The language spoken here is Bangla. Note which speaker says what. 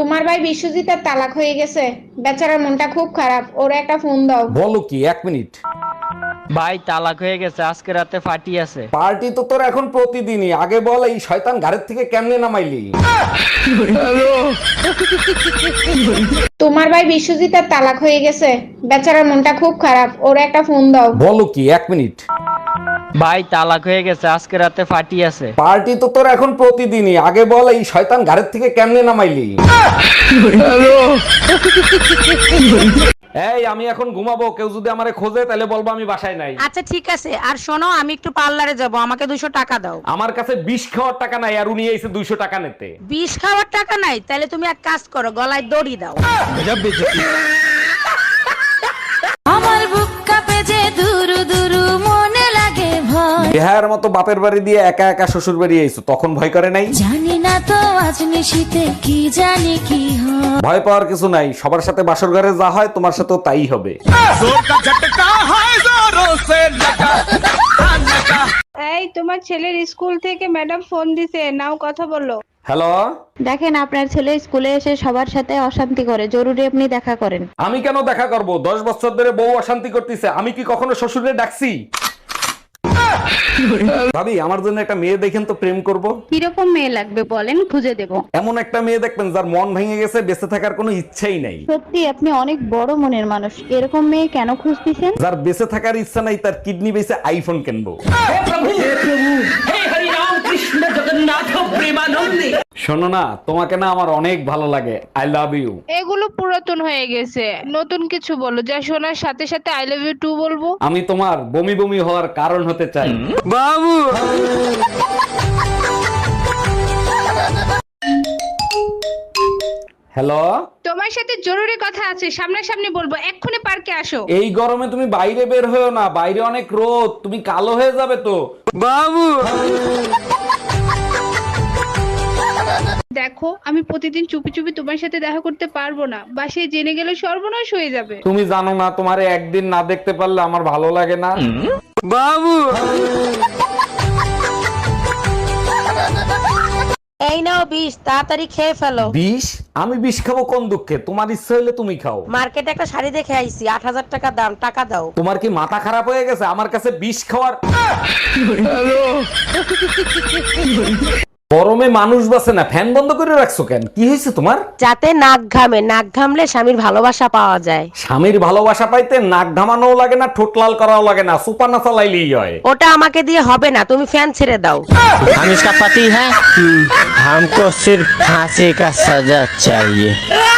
Speaker 1: তোমার ভাই বিশ্বজিতের তালাক হয়ে গেছে, বেচারার মনটা খুব খারাপ, ওরে একটা ফোন দাও।
Speaker 2: বলো কি, 1 মিনিট।
Speaker 3: ভাই তালাক হয়ে গেছে, আজকে রাতে পার্টি আছে।
Speaker 2: পার্টি তো তোর এখন প্রতিদিনই, আগে বল এই শয়তান ঘাড়ের থেকে কেমনে নামাইলি?
Speaker 1: তোমার ভাই বিশ্বজিতের তালাক হয়ে গেছে, বেচারার মনটা খুব খারাপ, ওরে একটা ফোন দাও।
Speaker 2: বলো কি, 1 মিনিট।
Speaker 3: ভাই তালাক হয়ে গেছে, আজকে রাতে পার্টি আছে।
Speaker 2: পার্টি তো তোর এখন প্রতিদিনই, আগে বল এই শয়তান ঘাড়ের থেকে কেমনে নামাইলি? এই আমি এখন ঘুমাবো, কেউ যদি আমারে খোঁজে তাহলে বলবো আমি বাসায় নাই।
Speaker 4: আচ্ছা ঠিক আছে, আর শোনো, আমি একটু পার্লারে যাব, আমাকে 200 টাকা দাও।
Speaker 2: আমার কাছে বিষ খাওয়ার টাকা নাই, আর উনি এসে 200 টাকা নিতে।
Speaker 4: বিষ খাওয়ার টাকা নাই? তাহলে তুমি এক কাজ করো, গলায় দড়ি দাও। আমার বুক কাঁপে যে দুরু দুরু, মনে লাগে ভয়।
Speaker 2: বিহার মতো বাপের বাড়ি দিয়ে একা একা শ্বশুর বাড়ি আইছো, তখন ভয় করে নাই?
Speaker 4: জানি না তো আজ নিশিতে কি জানি কি হয়।
Speaker 2: ভয় পাওয়ার কিছু নাই, সবার সাথে বাসর ঘরে যা হয় তোমার সাথেও তাই হবে।
Speaker 5: এই তোমার ছেলের স্কুল থেকে ম্যাডাম ফোন দিছে, নাও কথা বলো।
Speaker 2: হ্যালো,
Speaker 6: দেখেন আপনার ছেলে স্কুলে এসে সবার সাথে অশান্তি করে, জরুরি আপনি দেখা করেন।
Speaker 2: আমি কেন দেখা করব? 10 বছর ধরে বউ অশান্তি করতেছে, আমি কি কখনো শ্বশুরে ডাকছি? ভাবি, আমার জন্য একটা মেয়ে দেখেন তো, প্রেম করব।
Speaker 6: কিরকম মেয়ে লাগবে বলেন, খুঁজে দেব।
Speaker 2: এমন একটা মেয়ে দেখবেন যার মন ভেঙে গেছে, বেঁচে থাকার কোনো ইচ্ছাই নাই।
Speaker 6: সত্যি আপনি অনেক বড় মনের মানুষ, এরকম মেয়ে কেন খুঁজতেছেন?
Speaker 2: যার বেঁচে থাকার ইচ্ছা নাই, তার কিডনি বেঁচে আইফোন কিনবো। শোনো না, তোমাকে না আমার অনেক ভালো লাগে, আই লাভ ইউ।
Speaker 5: এগুলো পুরাতন হয়ে গেছে, নতুন কিছু বলো যা শোনার সাথে সাথে আই লাভ ইউ টু বলবো।
Speaker 2: আমি তোমার বমি বমি হওয়ার কারণ হতে চাই।
Speaker 3: বাবু
Speaker 2: হ্যালো,
Speaker 5: তোমার সাথে জরুরি কথা আছে, সামনাসামনি বলবো, এক্ষুনি পার্কে আসো।
Speaker 2: এই গরমে তুমি বাইরে বের হয়েও না, বাইরে অনেক রোদ, তুমি কালো হয়ে যাবে তো।
Speaker 3: বাবু
Speaker 5: দেখো, আমি প্রতিদিন চুপি চুপি তোমার সাথে দেখা করতে পারবো না, বাসায় জেনে গেলে সর্বনাশ হয়ে যাবে।
Speaker 2: তুমি জানো না, তোমারে একদিন না দেখতে পারলে আমার ভালো লাগে না।
Speaker 3: বাবু
Speaker 4: এই নাও বিষ, তাড়াতাড়ি খেয়ে ফেলো।
Speaker 2: বিষ? আমি বিষ খাবো কোন দুঃখে? তোমার ইচ্ছা হইলে তুমি খাও।
Speaker 4: মার্কেটে একটা শাড়ি দেখে আইছি, 8000 টাকা দাম, টাকা দাও।
Speaker 2: তোমার কি মাথা খারাপ হয়ে গেছে? আমার কাছে বিষ খাওয়ার গরমে মানুষ বাঁচে না, ফ্যান বন্ধ করে রাখছো কেন? কি হয়েছে তোমার?
Speaker 4: যাতে নাক ঘামে, নাক ঘামলে স্বামীর ভালোবাসা পাওয়া যায়।
Speaker 2: স্বামীর ভালোবাসা পাইতে নাক ঘামানোও লাগে না, ঠোঁট লাল করাও লাগে না, সুপার না চালাইলেই হয়।
Speaker 4: ওটা আমাকে দিয়ে হবে না, তুমি ফ্যান ছেড়ে দাও।
Speaker 3: हम इसका पति है, हमको सिर्फ फांसी का सजा चाहिए।